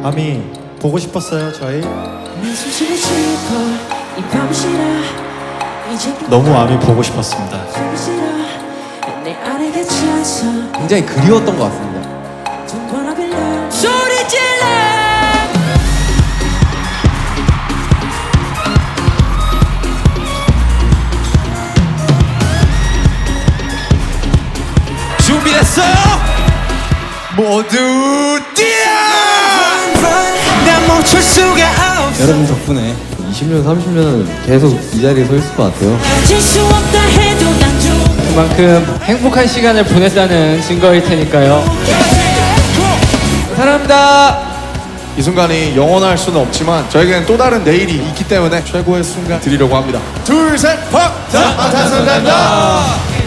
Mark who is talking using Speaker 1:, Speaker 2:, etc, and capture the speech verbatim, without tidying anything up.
Speaker 1: 아미 보고 싶었어요 저희. 너무 아미 보고 싶었습니다.
Speaker 2: 굉장히 그리웠던 것 같습니다.
Speaker 3: 소리 질러
Speaker 2: 준비됐어요? 모두 뛰어! 난 멈출 수가 없어.
Speaker 4: 여러분 덕분에 이십 년, 삼십 년은 계속 이 자리에 서 있을 것 같아요.
Speaker 3: 질수 없다 해도 난 좀
Speaker 5: 그만큼 행복한 시간을 보냈다는 증거일 테니까요.
Speaker 2: 사랑합니다.
Speaker 6: 이 순간이 영원할 수는 없지만 저에게는 또 다른 내일이 있기 때문에 최고의 순간 드리려고 합니다. 둘, 셋, 팍! 자, 방탄소년단입니다.